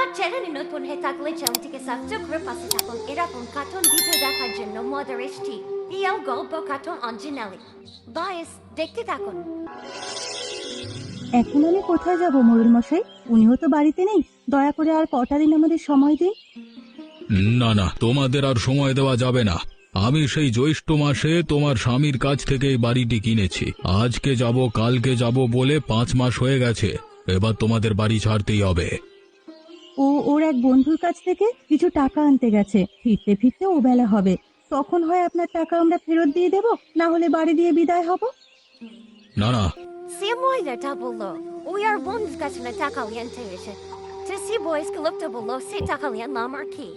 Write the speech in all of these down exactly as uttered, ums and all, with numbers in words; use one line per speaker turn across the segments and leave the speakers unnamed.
আমার চ্যানেলে নতুন হয়ে থাকলে চ্যানেলটিকে সাবস্ক্রাইব করে পাশে থাকুন এরকম কার্টুন ভিডিও দেখার জন্য মজার এসটি রিয়েল গল্প কার্টুন অঞ্জনালি বয়েস দেখতে থাকুন।
এখন আমি কোথায় যাব ময়ূর মশাই? উনিও তো বাড়িতে নেই। দয়া করে আর কটা দিন আমাদের সময় দিন।
না না, তোমাদের আর সময় দেওয়া যাবে না। আমি সেই জ্যৈষ্ঠ মাসে তোমার স্বামীর কাছ থেকে এই বাড়িটি কিনেছি। আজকে যাব কালকে যাব বলে পাঁচ মাস হয়ে গেছে। এবার তোমাদের বাড়ি ছাড়তেই হবে।
ও ওর এক বন্ধুর কাছ থেকে কিছু টাকা আনতে গেছে, ফিরতে ফিরতে ও বেলা হবে। তখন হয় আপনার টাকা আমরা ফেরত দিয়ে দেব, না হলে বাড়ি দিয়ে বিদায় হব।
না না,
সে মহিলাটা বললো ওই আর বন্ধুর কাছে না টাকা লিয়ানতে এসে তো সে বয়েসকে লোকটা বললো সে টাকা লিয়ানলাম আর কি।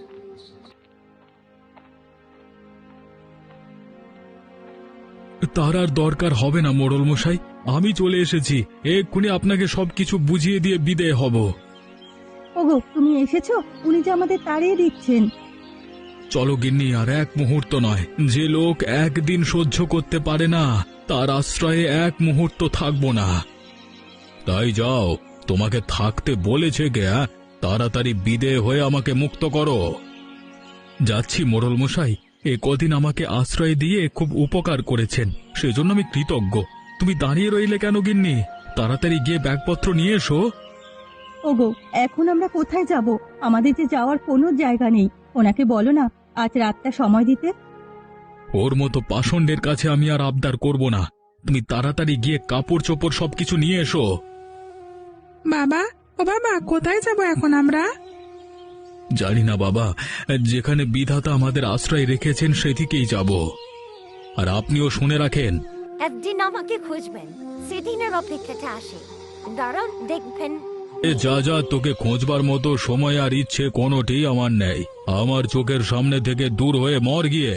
তার আর দরকার হবে না মোড়ল মশাই। আমি চলে এসেছি, এক্ষুনি আপনাকে সবকিছু বুঝিয়ে দিয়ে বিদেয় হব।
ওগো, তুমি এসেছো? উনি যে আমাদের তাড়িয়ে দিচ্ছেন।
চলো গিন্নি, আর এক মুহূর্ত নয়। যে লোক একদিন সহ্য করতে পারে না তার আশ্রয়ে এক মুহূর্ত থাকবো না। তাই যাও, তোমাকে থাকতে বলেছে কে? আ? তাড়াতাড়ি বিদেয় হয়ে আমাকে মুক্ত করো। যাচ্ছি মোড়ল মশাই, এ কদিন আমাকে আশ্রয় দিয়ে খুব উপকার করেছেন, সেজন্য আমি কৃতজ্ঞ। তুমি দাঁড়িয়ে রইলে কেন গিন্নি? তাড়াতাড়ি গিয়ে ব্যাগপত্র নিয়ে এসো।
ওগো, এখন আমরা কোথায় যাব? আমাদের যে যাওয়ার কোনো জায়গা নেই। ওনাকে বলো না আজ রাতটা সময় দিতে।
ওর মতো পাষণ্ডের কাছে আমি আর আবদার করব না। তুমি তাড়াতাড়ি গিয়ে কাপড় চোপড় সবকিছু নিয়ে এসো।
বাবা, ও বাবা, কোথায় যাব এখন আমরা?
জানি না বাবা, যেখানে বিধাতা আমাদের আশ্রয় রেখেছেন সেদিকেই যাব। আর আপনিও শুনে রাখেন,
একদিন আমাকে খুঁজবেন, সেদিনের অপেক্ষাতে আসে। দাঁড়ান দেখবেন।
এ যা যা, তোকে খোঁজবার মতো সময় আর ইচ্ছে কোনোটি আমার নেই। আমার চোখের সামনে থেকে দূর হয়ে মর গিয়ে।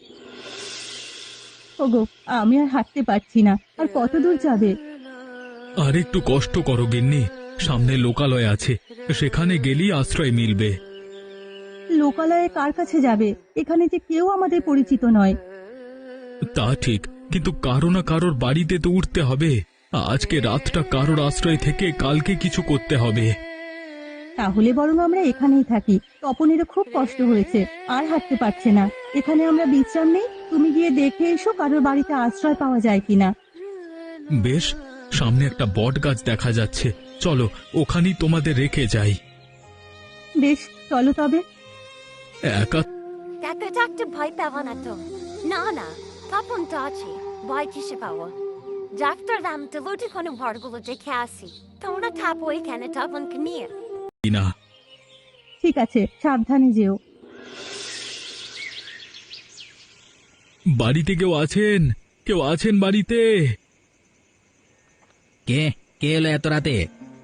ওগো, আমি আর হাঁটতে পারছি না। আর কত দূর যাবে?
আর একটু কষ্ট করো গিন্নি, সামনে লোকালয় আছে, সেখানে গেলেই আশ্রয় মিলবে।
লোকালয়ে কার কাছে যাবে? এখানে যে কেউ আমাদের পরিচিত নয়।
তা ঠিক, কিন্তু কারো না কারোর বাড়িতে তো উঠতে হবে। আজকে রাতটা কারোর আশ্রয় থেকে কালকে কিছু করতে হবে।
তাহলে বরং আমরা এখানেই থাকি। তপনেরও খুব কষ্ট হয়েছে, আর হাঁটতে পারছে না। এখানে আমরা বিশ্রাম নেই। তুমি গিয়ে দেখে এসো কারোর বাড়িতে আশ্রয় পাওয়া যায় কিনা।
বেশ, সামনে একটা বট গাছ দেখা যাচ্ছে, চলো ওখানেই তোমাদের রেখে যাই।
বেশ, চলো তবে।
একা
একা থাকতে ভয় পাবো না তো? না না, তপন তো আছে, ভয় কিসে পাবো? ডাক্তার দাম তো লুটি কোনো ঘরগুলো দেখে আসি। তোমরা থাকো এখানে তপনকে নিয়ে।
না,
ঠিক আছে, সাবধানে যেও।
বাড়িতে কেউ আছেন? কেউ আছেন বাড়িতে?
কে কে এলো এত রাতে?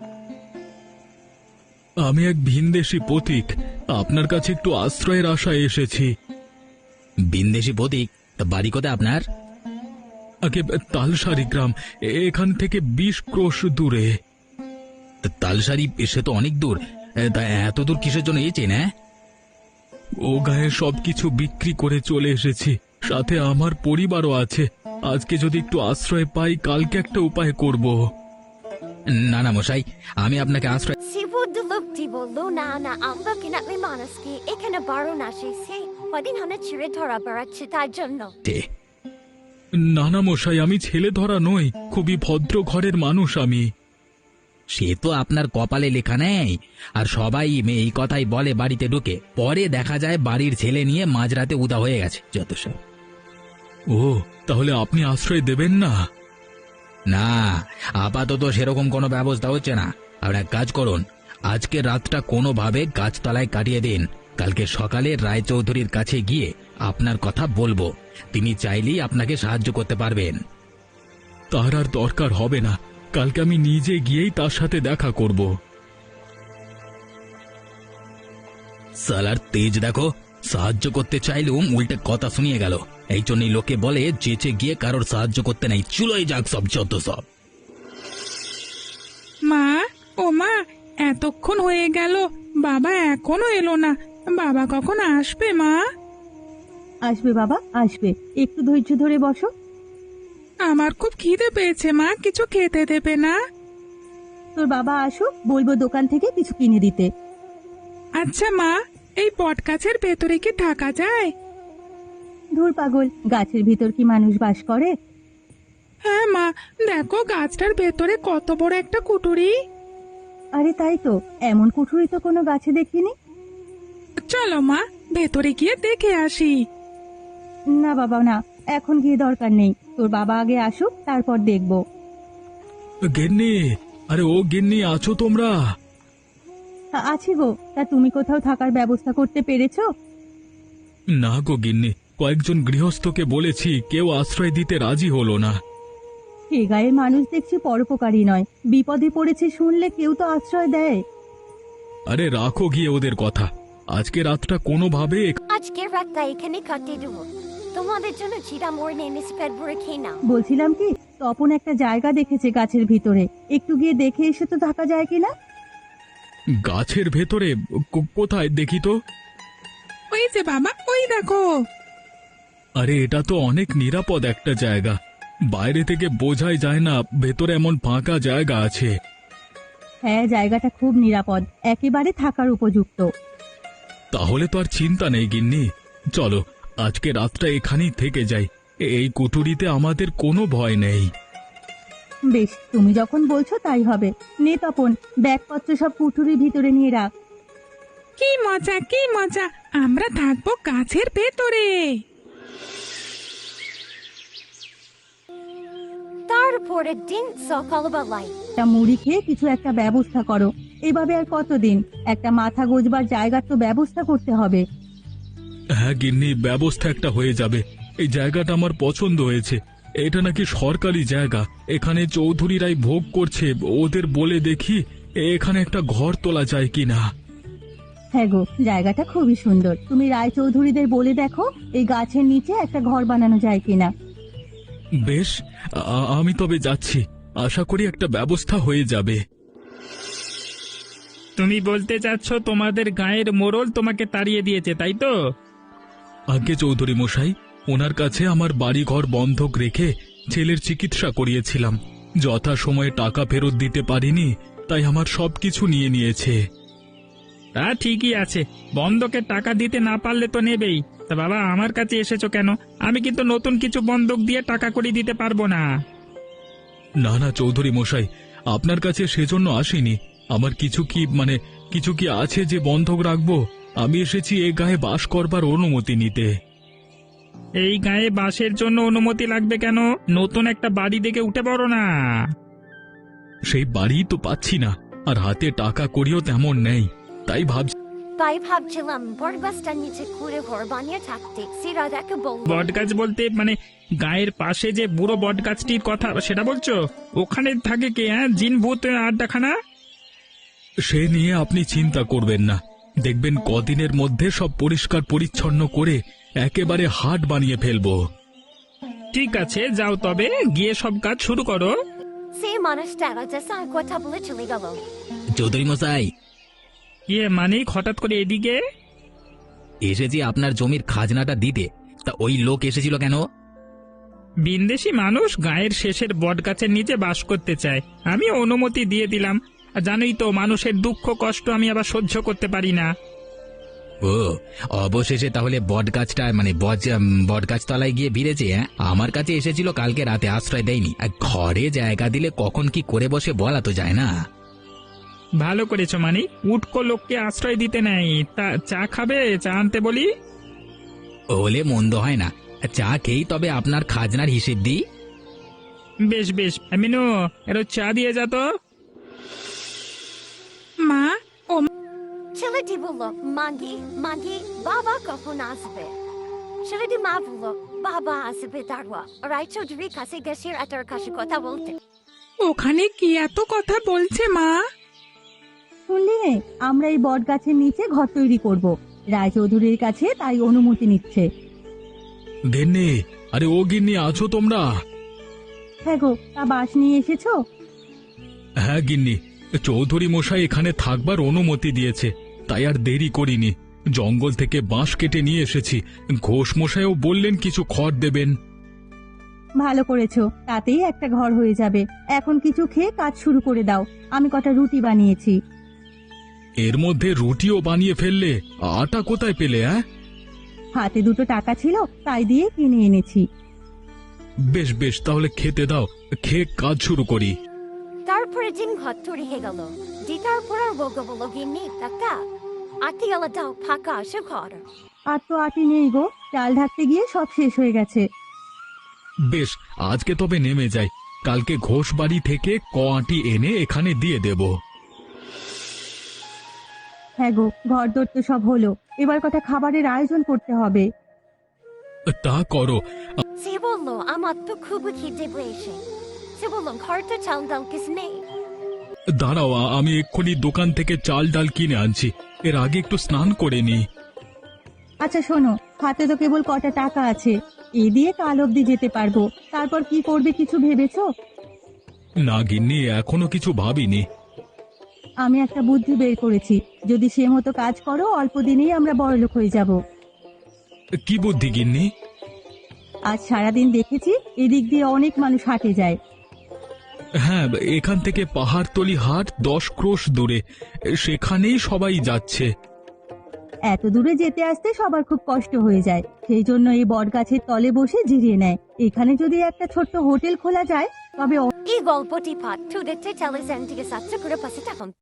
আমি এক ভিনদেশী পথিক, আপনার কাছে একটু আশ্রয়ের আশায় এসেছি।
বিন্দেশি প্রতীক? তা বাড়ি কোথায় আপনার?
আগে তালসারি গ্রাম, এখান থেকে বিশ ক্রোশ দূরে।
তা তালসারি, সে তো অনেক দূর। এ, তা এত দূর কিসের জন্য এসেছেন? হ্যাঁ,
ও গায়ে সবকিছু বিক্রি করে চলে এসেছি, সাথে আমার পরিবারও আছে। আজকে যদি একটু আশ্রয় পাই, কালকে একটা উপায় করব।
না না মশাই, আমি আপনাকে আশ্রয়।
শিবুদ্ধ লোকটি বললো না না, আমরা কিনা মানুষকে এখানে বারণ আসে, সে কদিন হনে ছিঁড়ে ধরা বেড়াচ্ছে তার জন্য।
না না মশাই, আমি ছেলে ধরা নই, খুবই ভদ্র ঘরের মানুষ আমি।
সে তো আপনার কপালে লেখা নেই। আর সবাই মেয়ে এই কথাই বলে বাড়িতে ঢুকে, পরে দেখা যায় বাড়ির ছেলে নিয়ে মাঝরাতে উদা হয়ে গেছে যত সব।
ও, তাহলে আপনি আশ্রয় দেবেন না?
না, আপাতত সেরকম কোনো ব্যবস্থা হচ্ছে না। আর এক কাজ করুন, আজকে রাতটা কোনোভাবে গাছতলায় কাটিয়ে দিন। কালকে সকালে রায়চৌধুরীর কাছে গিয়ে আপনার কথা বলবো, তিনি চাইলেই আপনাকে সাহায্য করতে পারবেন।
তার আর দরকার হবে না, কালকে আমি নিজে গিয়েই তার সাথে দেখা করব।
সালার তেজ দেখো, সাহায্য করতে চাইলেও উল্টে কথা শুনিয়ে গেল। এই জন্যই লোকে বলে চেঁচে গিয়ে কারোর সাহায্য করতে নাই, চুলোই যাক সব যত সব।
মা, ও মা, এতক্ষণ হয়ে গেল, বাবা এখনো এলো না। বাবা কখন আসবে মা?
আসবে বাবা, আসবে। একটু ধৈর্য ধরে বসো।
আমার খুব খিদে পেয়েছে মা, কিছু খেতে দেবে না?
তোর বাবা আসুক, বলবো দোকান থেকে কিছু কিনে দিতে।
আচ্ছা মা, এই বট গাছের ভেতরে কি থাকা যায়?
ধুর পাগল, গাছের ভিতর কি মানুষ বাস করে?
হ্যাঁ মা, দেখো গাছটার ভেতরে কত বড় একটা কুটুরি।
আরে তাই তো, এমন কুঠুরি তো কোনো গাছে দেখিনি।
চলো মা, ভেতরে গিয়ে দেখে আসি।
না বাবা না, এখন গিয়ে দরকার নেই, তোর বাবা আগে আসুক তারপর দেখবো।
গিন্নি, আরে ও গিন্নি, আছো তোমরা?
আ- আছি গো, তা তুমি কোথাও থাকার ব্যবস্থা করতে পেরেছো?
না গো গিন্নি, কয়েকজন গৃহস্থকে বলেছি, কেউ আশ্রয় দিতে রাজি হলো না।
এ গায়ের মানুষ দেখছি পরোপকারী নয়, বিপদে পড়েছে শুনলে কেউ তো আশ্রয় দেয়।
আরে রাখো গিয়ে ওদের কথা, আজকে রাতটা কোনোভাবে
আজকের রাতটা এখানে কাটিয়ে দেবো। তোমাদের জন্য চিরা মরে এনেছি, পেট ভরে খেয়ে নাও।
বলছিলাম কি, তপন একটা জায়গা দেখেছে গাছের ভিতরে, একটু গিয়ে দেখে এসে তো থাকা যায় কিনা।
গাছের ভেতরে কো- কোথায় দেখি তো?
ওই যে বাবা, ওই দেখো।
আরে এটা তো অনেক নিরাপদ একটা জায়গা, বাইরে থেকে বোঝাই যায় না ভেতরে এমন ফাঁকা জায়গা আছে।
হ্যাঁ, জায়গাটা খুব নিরাপদ, একেবারে থাকার উপযুক্ত।
তাহলে তো আর চিন্তা নেই গিন্নি, চলো আজকে রাতটা এখানেই থেকে যাই, এই কুঠুরিতে আমাদের কোনো ভয় নেই।
বেশ, তুমি যখন বলছো তাই হবে। নে তপন, ব্যাগপত্র সব কুঠুরির ভিতরে নিয়ে রাখ।
কি মজা, কি মজা, আমরা থাকবো গাছের ভেতরে।
তারপরের দিন সকালবেলায়
তা মুড়ি খেয়ে কিছু একটা ব্যবস্থা করো, এভাবে আর কতদিন? একটা মাথা গোজবার জায়গার তো ব্যবস্থা করতে হবে।
হ্যাঁ গিন্নি, ব্যবস্থা একটা হয়ে যাবে। এই জায়গাটা আমার পছন্দ হয়েছে, এটা নাকি সরকারি জায়গা, এখানে চৌধুরীরাই ভোগ করছে, ওদের বলে দেখি এখানে একটা ঘর তোলা যায় কিনা।
হ্যাঁ গো, জায়গাটা খুবই সুন্দর, তুমি রায়চৌধুরীদের বলে দেখো এই গাছের নিচে একটা ঘর বানানো যায় কিনা।
বেশ, আ- আমি তবে যাচ্ছি, আশা করি একটা ব্যবস্থা হয়ে যাবে।
তুমি বলতে চাচ্ছ তোমাদের গায়ের মোড়ল তোমাকে তাড়িয়ে দিয়েছে, তাই তো?
আগে চৌধুরী মশাই, ওনার কাছে আমার বাড়িঘর বন্ধক রেখে ছেলের চিকিৎসা করিয়েছিলাম, যথা সময়ে টাকা ফেরত দিতে পারিনি, তাই আমার সবকিছু নিয়ে নিয়েছে।
তা ঠিকই আছে, বন্ধকের টাকা দিতে না পারলে তো নেবেই। তা বাবা, আমার কাছে এসেছো কেন? আমি কিন্তু নতুন কিছু বন্ধক দিয়ে টাকা করে দিতে পারবো না।
না না চৌধুরী মশাই, আপনার কাছে সেজন্য আসিনি। আমার কিছু কি মানে কিছু কি আছে যে বন্ধক রাখবো? আমি এসেছি এ গায়ে বাস করবার অনুমতি নিতে।
এই গায়ে বাসের জন্য অনুমতি লাগবে কেন? নতুন একটা বাড়ি দেখে উঠে পড়ো না।
সেই বাড়ি তো পাচ্ছি না, আর হাতে টাকা করিও তেমন নেই, তাই ভাবছি
তাই ভাবছিলাম বরবাসটার নিচে ঘুরে ঘর বানিয়ে থাকতে। সিরা দেখে বলল,
বট গাছ বলতে মানে গায়ের পাশে যে বুড়ো বট গাছটির কথা সেটা বলছো? ওখানে থাকে কে? হ্যাঁ, জিন ভূত আড্ডাখানা?
সে নিয়ে আপনি চিন্তা করবেন না, দেখবেন কদিনের মধ্যে সব পরিষ্কার পরিচ্ছন্ন করে একেবারে হাট বানিয়ে ফেলবো।
ঠিক আছে, যাও তবে, গিয়ে সব কাজ শুরু করো।
সে মানুষটা রাজা কথা বলে চলে গেল।
চৌধুরী মশাই,
ইয়ে মানে হঠাৎ করে এদিকে?
এসেছি আপনার জমির খাজনাটা দিতে, তা ওই লোক এসেছিল কেন?
বিন্দেশি মানুষ গায়ের শেষের বট গাছের নিচে বাস করতে চায়, আমি অনুমতি দিয়ে দিলাম। আর জানোই তো, মানুষের দুঃখ কষ্ট আমি আবার সহ্য করতে পারি না।
ও, অবশেষে তাহলে বট গাছটা মানে বট গাছ তলায় গিয়ে ভিড়েছে। হ্যাঁ, আমার কাছে এসেছিল কালকে রাতে, আশ্রয় দেয়নি। আর ঘরে জায়গা দিলে কখন কি করে বসে বলা তো যায় না।
ভালো করেছো, মানে উটকো লোককে আশ্রয় দিতে নেই। তা চা খাবে? চা আনতে বলি?
হলে মন্দ হয় না, চা খেয়েই তবে আপনার খাজনার হিসেব দিই।
বেশ বেশ, মিনু, এর চা দিয়ে যা তো।
মা, ও
ছেলেটি বলল, মাগি মাগি বাবা কখন আসবে? ছেলেটি মা বলল, বাবা আসবে দাঁড়া। রায়চৌধুরীর কাছে গেছে এটার কাছে কথা বলতে।
ওখানে কি এত কথা বলছে মা?
শুনলি নে, আমরা এই বট গাছের নিচে ঘর তৈরি করব, রায়চৌধুরীর কাছে তাই অনুমতি নিচ্ছে।
গিন্নি, আরে ও গিন্নি, আছো তোমরা?
হ্যাঁ গো, তা বাস নিয়ে এসেছো?
হ্যাঁ গিন্নি, চৌধুরী মশাই এখানে থাকবার অনুমতি দিয়েছে, তাই আর দেরি করিনি, জঙ্গল থেকে বাঁশ কেটে নিয়ে এসেছি। ঘোষ মশাইও বললেন কিছু খড় দেবেন।
ভালো করেছো, তাতেই একটা ঘর হয়ে যাবে। এখন কিছু খেয়ে কাজ শুরু করে দাও, আমি কটা রুটি বানিয়েছি।
এর মধ্যে রুটিও বানিয়ে ফেললে, আটা কোথায় পেলে? হ্যাঁ,
হাতে দুটো টাকা ছিল, তাই দিয়ে কিনে এনেছি।
বেশ বেশ, তাহলে খেতে দাও, খেয়ে কাজ শুরু করি।
তারপরে দিন ঘর তৈরি হয়ে গেল। দিতার পর আর বলবো বলো গিন্নি কাকা আটি গেলা দাও ফাঁকা আসে ঘর।
আর তো আটি নেই গো, চাল ঢাকতে গিয়ে সব শেষ হয়ে গেছে।
বেশ, আজকে তবে নেমে যাই, কালকে ঘোষ বাড়ি থেকে ক আঁটি এনে এখানে দিয়ে দেব।
হ্যাঁ গো, ঘর দর তো সব হলো, এবার কথা খাবারের আয়োজন করতে হবে।
তা করো।
সে বললো আমার তো খুবই খিদে পেয়েছে। সে বললো ঘরটা চাল ডাল কিছু নেই।
দাঁড়াও, আমি এক্ষুনি দোকান থেকে চাল ডাল কিনে আনছি, এর আগে একটু স্নান করে নি।
আচ্ছা শোনো, হাতে তো কেবল কটা টাকা আছে, এই দিয়ে কাল অবধি যেতে পারবো। তারপর কি করবে কিছু ভেবেছো?
না গিন্নি, এখনো কিছু ভাবিনি।
আমি একটা বুদ্ধি বের করেছি, যদি সে মতো কাজ করো অল্প দিনেই আমরা বড়লোক হয়ে যাব।
কি বুদ্ধি গিন্নি?
আজ সারাদিন দেখেছি এদিক দিয়ে অনেক মানুষ হাটে যায়।
হ্যাঁ, এখান থেকে পাহাড়তলি হাট দশ ক্রোশ দূরে, সেখানেই সবাই যাচ্ছে।
এত দূরে যেতে আসতে সবার খুব কষ্ট হয়ে যায়, সেই জন্য এই বট গাছের তলে বসে জিরিয়ে নেয়। এখানে যদি একটা ছোট্ট হোটেল খোলা যায় তবে
এই গল্পটি পাঠ দেখতে টেলিভিশন থেকে সাবস্ক্রাইব করে পাশে থাকুন।